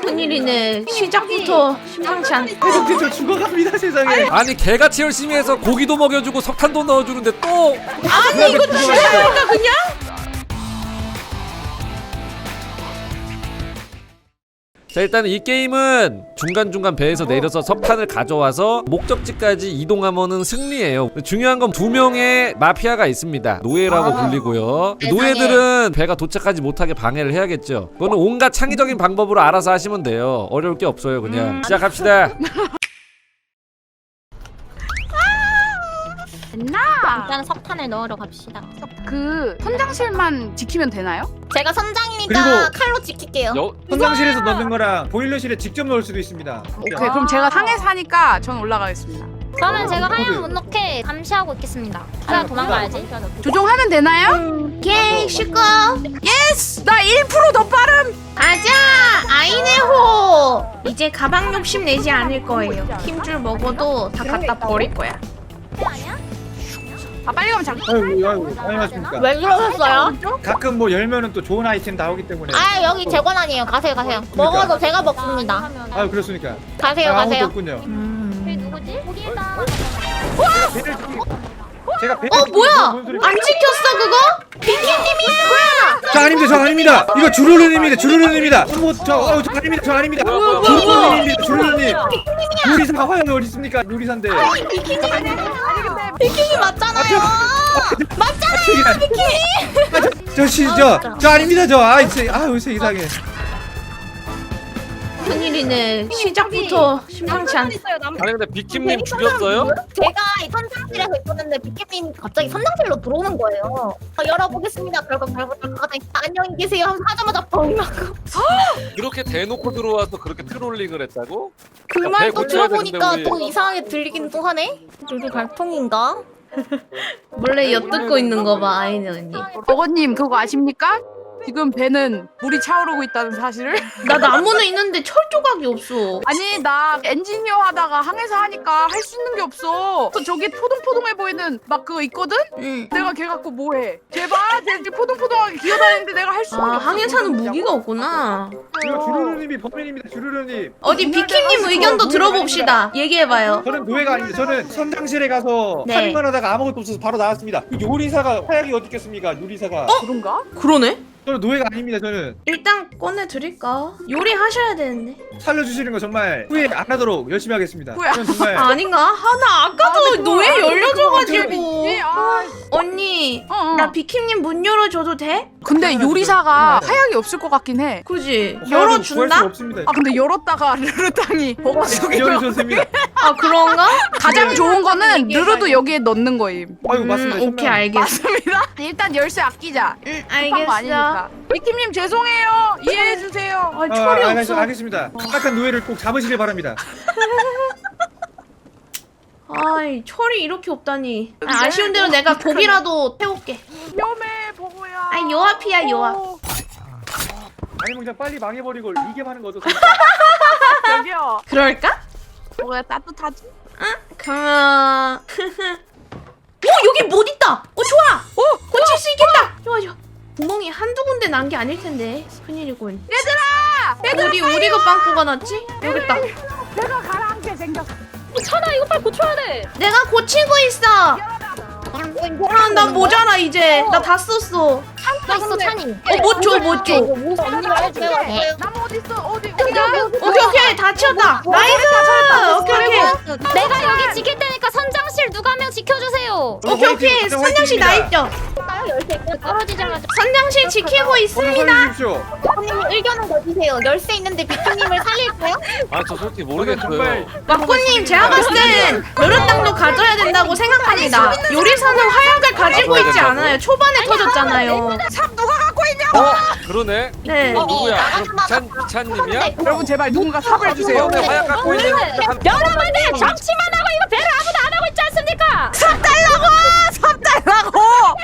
큰일이네. 시작부터 심상치 않. 해적대 저 죽어갑니다 세상에. 아니 개같이 열심히 해서 고기도 먹여주고 석탄도 넣어주는데 또 아니 이거 죽여버릴까 그냥? 자 일단 이 게임은 중간중간 배에서 내려서 석탄을 가져와서 목적지까지 이동하면은 승리예요. 중요한 건 2명의 마피아가 있습니다. 노예라고 불리고요. 노예들은 배가 도착하지 못하게 방해를 해야겠죠. 그거는 온갖 창의적인 방법으로 알아서 하시면 돼요. 어려울 게 없어요. 그냥 시작합시다. 일단 석탄을 넣으러 갑시다. 그 선장실만 지키면 되나요? 제가 선장이니까 그리고- 칼로 지킬게요. 현장실에서 넣는 거랑 보일러실에 직접 넣을 수도 있습니다. 오케이 그럼 제가 상에 사니까 전 올라가겠습니다. 그러면 제가 저도요. 하얀 못 넣게 감시하고 있겠습니다. 그냥 도망가야지. 조종하면 되나요? 오케이 시끄. 예스! 나 1%더 빠름! 가자 아이네호. 이제 가방 욕심 내지 않을 거예요. 힘줄 먹어도 다 갖다 버릴 거야. 아 빨리 가면 잠깐. 아이고 안녕하십니까. 왜 그러셨어요? 가끔 뭐 열면은 또 좋은 아이템 나오기 때문에. 아 여기 제 권한이에요. 가세요 가세요. 먹어도 제가 먹습니다. 아유 그렇습니까. 가세요 아무것도 가세요. 없군요. 누구지? 거기에다. 배를 제가 배를 뭐야? 뭔 소리- 안 지켰어 그거? 비키님이야. 저 아닙니다. 저 아닙니다. 이거 주루루님입니다. 주루루님입니다. 저 아닙니다. 저 아닙니다. 주루루님입니다. 주루루님. 요리사가 화염이 어디 있습니까? 요리사인데. 비키니 맞잖아요. 맞잖아요. 비키니. 저 아닙니다. 아유 이상해. 큰일이네. 시작부터 심상치 않. 아니 근데 비킴님 죽였어요? 제가 이 선장실에서 있었는데 비키님 갑자기 선장실로 들어오는 거예요. 열어보겠습니다. 결국 안녕히 계세요. 하자마자 뻥 나고. 그렇게 대놓고 들어와서 그렇게 트롤링을 했다고? 그 배 말도 고쳐야 들어보니까 되는데, 또 우리. 이상하게 들리긴 또 하네. 루루 갈통인가? 몰래 엿듣고 있는 거 봐 아이네 언니. 버거님 그거 아십니까? 지금 배는 물이 차오르고 있다는 사실을? 나 나무는 있는데 철 조각이 없어. 아니 나 엔지니어 하다가 항해사 하니까 할 수 있는 게 없어. 또 저기 포동포동해 보이는 막 그거 있거든? 응. 내가 걔 갖고 뭐해? 제발 쟤 포동포동하게 기어다니는데 내가 할 수가 아 없어. 항해사는 그러자고. 무기가 없구나. 이거 주루루님이 범인입니다. 주루루님. 어디 비키님 의견도 들어봅시다. 얘기해봐요. 저는 노예가 아닙니다. 저는 선장실에 가서 네. 살인만 하다가 아무것도 없어서 바로 나왔습니다. 그 요리사가 화약이 어디 있겠습니까? 요리사가. 그런가? 그러네? 저는 노예가 아닙니다. 저는 일단 꺼내드릴까? 요리하셔야 되는데. 살려주시는 거 정말 후회 안 하도록 열심히 하겠습니다. 뭐야? 저는 정말 아닌가? 하나 아까도 노예 열려줘가지고. 아, 언니 어. 나 비키님 문 열어줘도 돼? 근데 요리사가 화약이 없을 것 같긴 해. 그지? 구할 수가 열어준다? 없습니다. 아 근데 열었다가 르르땅이 버거 속에 열어줬습니다. 아 그런가? 가장 좋은 거는 얘기해봐요. 르르도 여기에 넣는 거임. 아이고 맞습니다. 오케이 알겠어. 맞습니다. 일단 열쇠 아끼자. 응 급한 거 알겠어. 아니니까. 비킴님 죄송해요. 이해해 주세요. 아 철이 없어. 알겠습니다. 착한 노예를 꼭 잡으시길 바랍니다. 아이 철이 이렇게 없다니. 아쉬운 대로 내가 고기라도 태울게. 위험해 버거야. 아이 요앞이야 요앞. 아니면 그냥 빨리 망해버리고 이게하는 거 어떠세요? 여기요. 그럴까? 버거야 따뜻하지? 그러면 오 여기 못 있다. 좋아. 고칠 수 있겠다. 좋아 좋아. 구멍이 한두 군데 난 게 아닐 텐데 큰일이군. 얘들아 우리 거 빵꾸가 났지? 여기 있다. 내가 가라앉게 생겼어. 천아 이거 빨리 고쳐야 돼. 내가 고치고 있어. 나 모자라 이제. 나 다 썼어. 나 있어 찬이. 못 줘, 못 줘. 언니가 해줘요. 나무 어디 있어? 어디? 오케이 오케이 다 치웠다. 나이스. 오케이 오케이. 내가 여기 지킬 테니까 선장실 누가 한 명 지켜주세요. 오케이 선장실 나 있죠. 떨어지자마자 선장실 지키고 있습니다. 살려주십시오. 선생님 의견은 내주세요. 열쇠 있는데 비키님을 살릴까요? 아 저 솔직히 저는 모르겠어요. 정말 막고님 제가 봤을 땐 여러 땅도 가져야 된다고 생각합니다. 요리사는 화약을 가지고 있지 않아요. 초반에 터졌잖아요. 삽 누가 갖고 있냐? 그러네. 네. 누구야? 그럼 비찬님이야? 여러분 제발 누군가 삽을 주세요. 처음에 화약 갖고 있는 여러분들 정치만 하고 이거 배를 아무도 안 하고 있지 않습니까? 삽 달라고!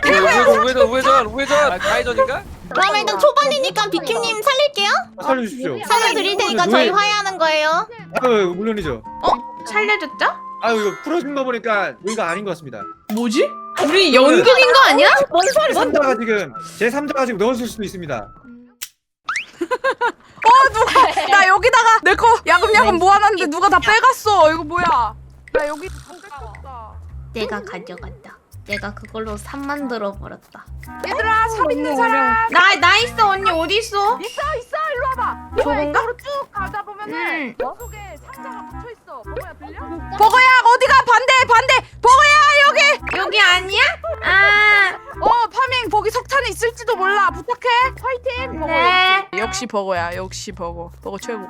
우회전 가해전인가? 그럼 일단 초반이니까 비키님 살릴게요. 살려주십시오. 살려드릴 테니까 저희 화해하는 거예요. 아유 물론이죠. 살려줬죠? 아유 이거 풀어준 거 보니까 우리가 아닌 것 같습니다. 뭐지? 우리 연극인 거 아니야? 뭔 소리? 제3자가 지금 제3자가 지금 넣었을 수도 있습니다. 나 여기다 여기다가 내 거 야금야금 모아놨는데 누가 다 빼갔어. 이거 뭐야? 나 여기 다 뺏겼다. 내가 가져갔다. 내가 그걸로 삽 만들어 버렸다. 얘들아 삽 있는 사람 나 있어. 언니 어디 있어? 있어 일로 와봐. 저건가? 이쪽으로 쭉 가다 보면은 응. 속에 상자가 묻혀 있어. 버거야 들려? 버거야 어디가 반대 버거야 여기. 여기 아니야? 아, 파밍 거기 석탄이 있을지도 몰라. 부탁해. 파이팅. 버거 네. 역시 버거야. 역시 버거 최고.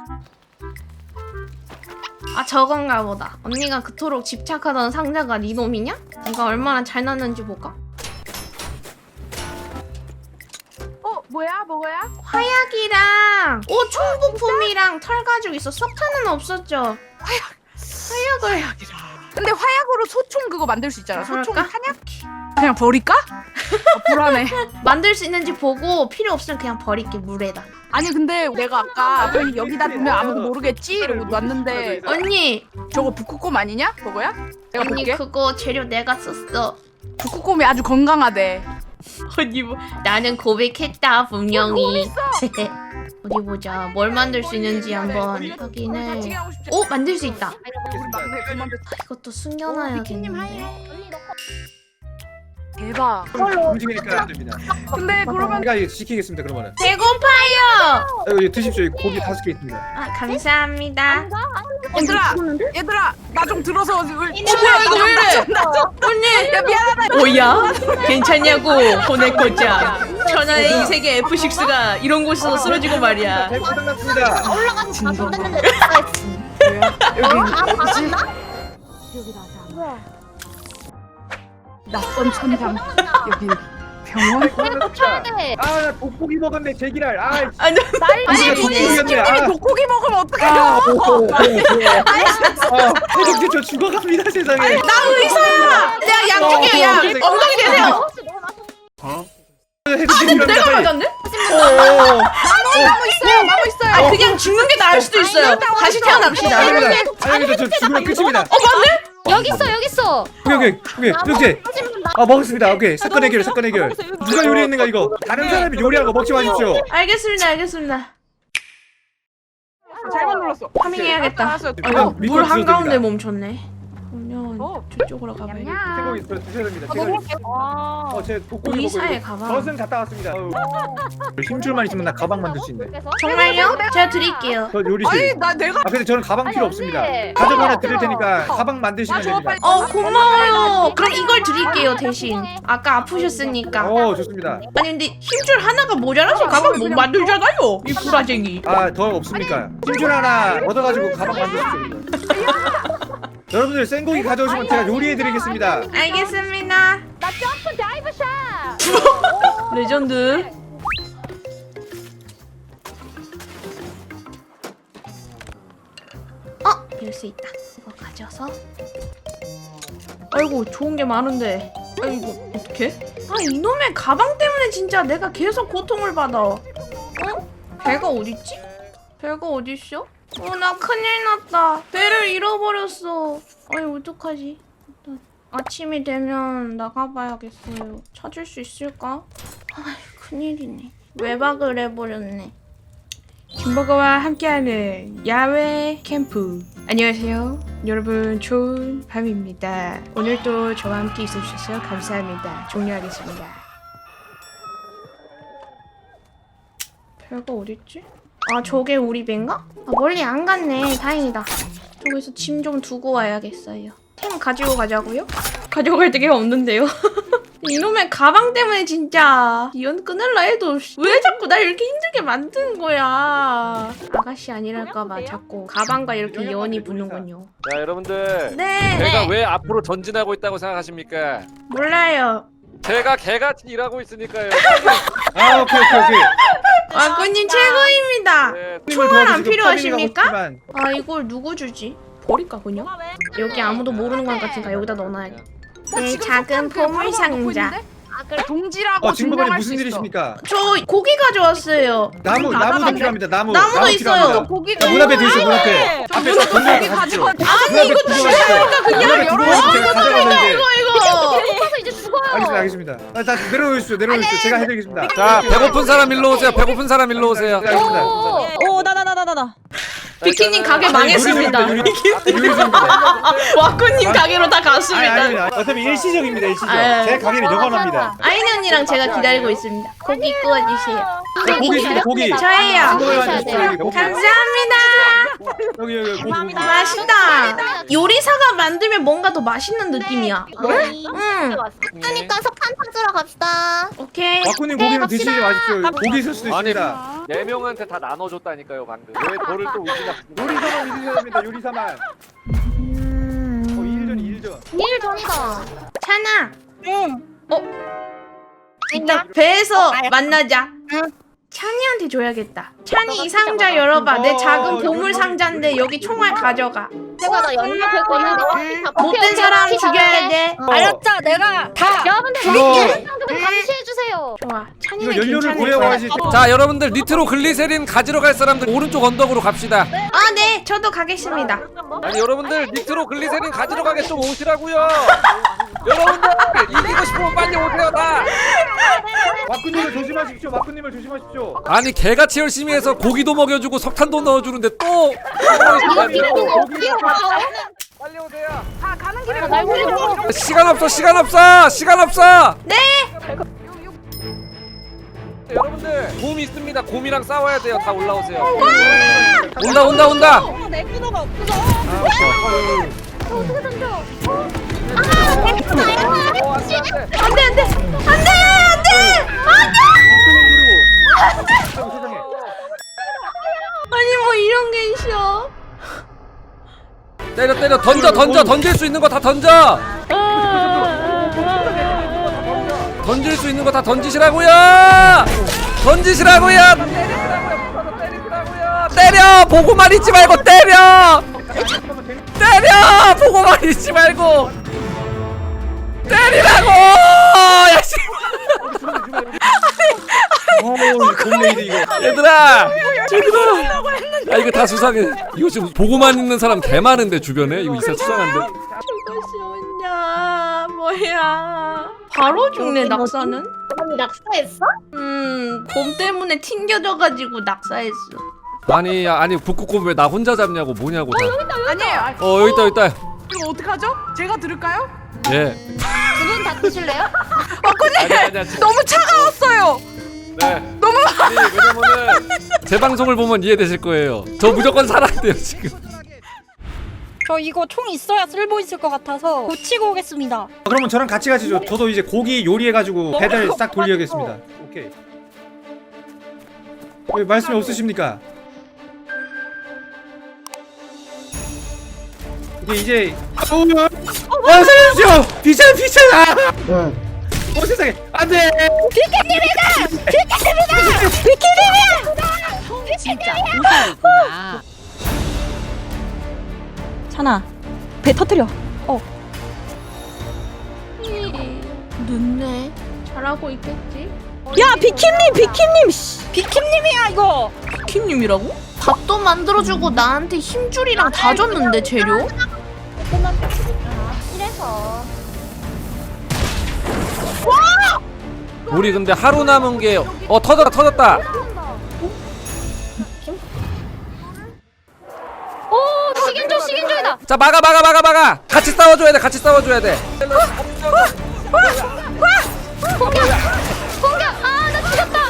아 저건가 보다. 언니가 그토록 집착하던 상자가 네 놈이냐? 이거 얼마나 잘 났는지 볼까? 뭐야 버거야? 화약이랑 총 부품이랑 털 가지고 있어. 석탄은 없었죠? 화약을 근데 화약으로 소총 그거 만들 수 있잖아. 소총 그럴까? 탄약? 그냥 버릴까? 불안해. 만들 수 있는지 보고 필요 없으면 그냥 버릴게 물에다. 아니 근데 내가 아까 여기다 두면 아무도 모르겠지 이러고 놨는데 언니, 저거 북극곰 아니냐? 버거야? 내가 언니 볼게. 그거 재료 내가 썼어. 북극곰이 아주 건강하대. 언니 뭐 나는 고백했다 분명히. 어디 보자. 뭘 만들 수 있는지 한번 확인을. 같이 하고 싶지? 오, 만들 수 있다. 우리 막내 그만 됐. 이것도 숨겨놔야겠는데. 대박. 움직이니까 안 됩니다. 근데 그러면 제가 이거 지키겠습니다. 그러면은. 배고파요. 이거 드십시오. 여기 고기 5개 있습니다. 아, 감사합니다. 얘들아 나 좀 들어서. 뭐야 이거 왜 이래? 언니, 야 미안하다. 뭐야? 괜찮냐고 보내고자. 천하의 이 세계 F6가 이런 곳에서 쓰러지고 말이야. 잘 고생하셨습니다. 올라가서 다 손댔는데 낯선 천장. 여기 병원? 나 돋보기 먹었네. 제기랄. 아니, 아니, 님이 독고기 먹으면 어떡해요? 해독제 저 죽어갑니다 세상에. 나 의사야. 내가 양쪽이야. 야, 엉덩이 대세요. 내가 맞았네? 나무 있어요. 아, 그냥 죽는 게 나을 수도 있어요. 다시 태어납시다. 아닙니다. 저 죽으면 끝입니다. 맞네? 여기 있어. 오케이. 병제. 먹었습니다. 오케이. 사건 해결. 누가 요리했는가 이거? 다른 사람이 요리한 거 먹지 마십시오. 알겠습니다. 잘못 눌렀어. 파밍해야겠다. 알았어. 이거 물 밑밥 한가운데 드셔도 멈췄네. 그러면 저쪽으로 가봐야겠다. 생고기 드셔야 됩니다. 제 독고기 먹고 의사의 이거 가방. 젖은 갔다 왔습니다. 힘줄만 있으면 나 가방 만들 수 있네. 정말요? 제가 드릴게요. 저 요리 아니 실. 나 내가 근데 저는 가방 필요 없습니다. 언니. 가족 하나 드릴 테니까 가방 만드시면 줘, 됩니다. 빨리. 고마워요. 그럼 이걸 드릴게요 대신. 아까 아프셨으니까. 좋습니다. 아니 근데 힘줄 하나가 모자라서 가방 못 만들잖아요. 이 구라쟁이. 더 없습니까? 힘줄 하나 얻어가지고 가방 만드십시오. 여러분들 생고기 가져오시면 제가 요리해드리겠습니다. 알겠습니다. 나 점프 다이브 샷. 레전드. 이럴 수 있다. 이거 가져서. 아이고 좋은 게 많은데. 아이고 어떡해? 이놈의 가방 때문에 진짜 내가 계속 고통을 받아. 배가 어딨지? 배가 어딨어? 나 큰일 났다. 배를 잃어버렸어. 어떡하지? 일단 아침이 되면 나가봐야겠어요. 찾을 수 있을까? 큰일이네. 외박을 해버렸네. 김버거와 함께하는 야외 캠프. 안녕하세요. 여러분 좋은 밤입니다. 오늘도 저와 함께 있어주셔서 감사합니다. 종료하겠습니다. 별거 어딨지? 저게 우리 배인가? 멀리 안 갔네. 다행이다. 저기서 짐 좀 두고 와야겠어요. 템 가지고 가자고요? 가지고 갈 데가 없는데요. 이놈의 가방 때문에 진짜 이연 끊을라 해도 왜 자꾸 날 이렇게 힘들게 만드는 거야. 아가씨 아니랄까봐 자꾸 가방과 이렇게 연이 붙는군요. 자 여러분들 네. 제가 왜 앞으로 전진하고 있다고 생각하십니까? 몰라요. 제가 개같이 일하고 있으니까요. 오케이. 와꾸님 최고입니다. 네, 총알 안 도와주시고 필요하십니까? 파밍하고 싶지만 이걸 누구 주지? 버릴까 그냥? 여기 아무도 모르는 것 같으니까 여기다 넣어놔야겠다. 네, 작은 보물 상자. 동지라고 증거관이 증명할 무슨 수 있어. 일이십니까? 저 고기 가져왔어요. 나무도 필요합니다. 나무도 나무 있어요. 필요합니다. 고기가 문 앞에 드세요. 문 앞에. 앞에서 고기 건져서 가지고 가십시오. 아니 이거 주시니까 그냥 이거. 배고파서 이제 죽어요. 알겠습니다. 다 내려오십시오. 제가 해드리겠습니다. 자 배고픈 사람 일로 오세요. 배고픈 사람 일로 오세요. 알겠습니다. 오, 나. 비키님 가게 망했습니다. 유리수입니다. 와꾸님 가게로 다 갔습니다. 아닙니다. 어차피 일시적입니다. 일시적. 아, 제 가게는 영원합니다. 아이네 언니랑 제가 기다리고 있습니다. 고기 구워주세요. 고기 있습니다. 고기. 저예요. 먹으셔야 돼요. 감사합니다. 여기 고기. 맛있다. 요리사가 만들면 뭔가 더 맛있는 느낌이야. 응. 그러니까 석탄 찾으러 갑시다. 오케이. 와꾸님 고기는 갑시다. 드시지 마십시오. 고기 있을 수도 아니, 있습니다. 4명한테 다 나눠줬다니까요 방금. 왜 저를 또 의심하십니까? 요리사만 믿으셔야 됩니다. 요리사만. 2일 전 2일 전. 2일 전이다. 찬아. 응. 이따 배에서 만나자. 찬이한테 줘야겠다. 찬이 이 상자 열어봐. 내 작은 보물 상자인데 여기 총알 가져가. 제가 나 연락할 거는 못된 사람 죽여야 돼. 알았죠? 내가 다. 여러분들 이거- 좀 감시해 주세요. 좋아. 이거 찬이는 연료를 괜찮을 구해야 거야. 하시. 자 여러분들 니트로 글리세린 가지러 갈 사람들 오른쪽 언덕으로 갑시다. 아, 네. 저도 가겠습니다. 아니 여러분들 니트로 글리세린 가지러 가게 좀 오시라고요. 여러분들 이기고 싶으면 빨리 오세요 다. 와꾸님을 조심하십시오. 와꾸님을 조심하십시오. 아니 개같이 열심히 해서 고기도 먹여주고 석탄도 넣어주는데 또 빨리 오세요. 다 가는 길에 날 걸리고. 시간 없어 시간 없어 시간 없어. 네. 여러분들 곰 있습니다. 곰이랑 싸워야 돼요. 다 올라오세요. 온다 온다 온다. 내 끊어가 없어. 어떻게 던져? 안 돼, 안 돼. 안 돼, 안 돼. 안 돼. 세상에. 아니, 뭐 이런 게 있어. 때려 때려 던져 던져 던질 수 있는 거 다 던져. 던질 수 있는 거 다 던지시라고요. 던지시라고요. 때려 보고만 있지 말고 때려. 때려 보고만 있지 말고 때리라고. 야 씨. 곰레이드 이거. 얘들아 야 이거 다 수상해. 이거 지금 보고만 있는 사람 개 많은데 주변에 이거 진짜 수상한데. 이것이 뭐냐, 뭐야. 바로 죽네, 낙사는. 언니 낙서했어? 곰 때문에 튕겨져가지고 낙사했어. 아니 북극곰 왜 나 혼자 잡냐고 뭐냐고 다. 아니에요. 여기 있다 여기 있다. 이거 어떡하죠? 제가 들을까요? 예. 두분 다 드실래요? 아니야 너무 차가웠어요. 네. 너무 아니 왜냐면은 제 방송을 보면 이해되실 거예요. 저 무조건 살아야 돼요 지금. 저 이거 총 있어야 쓸모 있을 것 같아서 고치고 오겠습니다. 그러면 저랑 같이 가시죠. 저도 이제 고기 요리해가지고 배달 싹 돌려야겠습니다. 오케이. 왜 말씀이 없으십니까? 이제 살려주세요! 비찬! 세상에 안돼! 찬아, 배 터뜨려. 늦네. 잘하고 있겠지? 야, 비킴님, 씨. 비킴님이야 이거. 킴님이라고? 밥도 만들어주고 나한테 힘줄이랑 다 줬는데 재료? 이래서 우리 근데 하루 남은 게 터졌다. 오 식인종이다. 자 막아. 같이 싸워줘야 돼. 공격 아나 죽였다.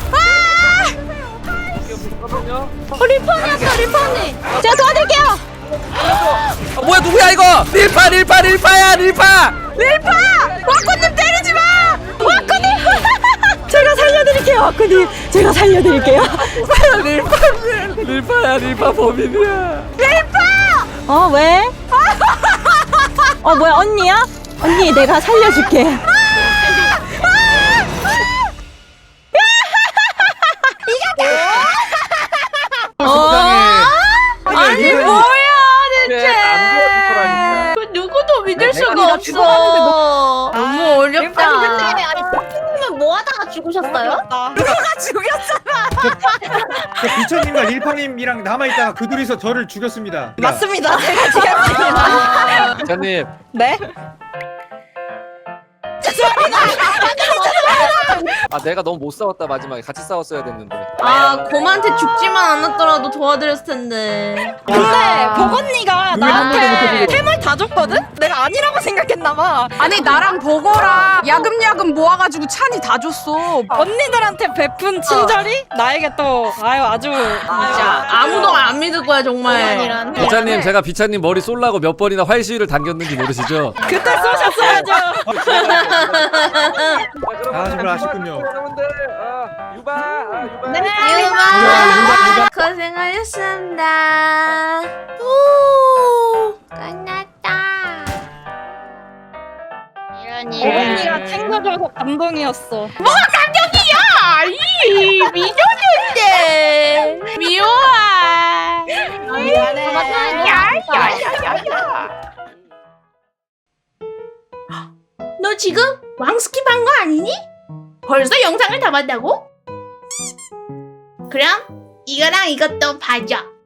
리퍼니. 제가 도와드릴게요. 뭐야 누구야 이거? 릴파야. 와꾸님 때리지 마. 와꾸님. 제가 살려드릴게요, 와꾸님. 제가 살려드릴게요. 릴파 범인이야. 왜? 뭐야, 언니야? 언니, 내가 살려줄게. 아니 뭐야 대체? 안 그 누구도 믿을 수가 내가 없어. 너무 근데 어렵다. 아니 선생님은 뭐 하다가 죽으셨어요? 비천님과 릴파님이랑 남아있다가 그 둘이서 저를 죽였습니다. 맞습니다. 제가 죽였습니다. 기자님 네? 아 내가 너무 못 싸웠다 마지막에 같이 싸웠어야 됐는데. 아 곰한테 죽지만 않았더라도 도와드렸을 텐데. 근데 버거니가 왜 한 번도 못 나한테 해보고. 템을 다 줬거든? 내가 아니라고 생각했나봐. 아니 나랑 버거랑 야금야금 모아가지고 찬이 다 줬어. 언니들한테 베푼 친절이 나에게 또 아주 진짜 아무도 안 믿을 거야 정말. 비차님 제가 비차님 머리 쏠라고 몇 번이나 활시위를 당겼는지 모르시죠? 그때 쏘셨어야죠. 아 정말 아쉽군요. 여러분들 유바 유바. 네. 유바 고생하셨습니다. 오 끝났다. 버거니가 챙겨줘서 감동이었어. 아이 미녀인데 미워아. 너 지금 왕스킵 한 거 아니니? 벌써 영상을 다 봤다고? 그럼 이거랑 이것도 봐줘.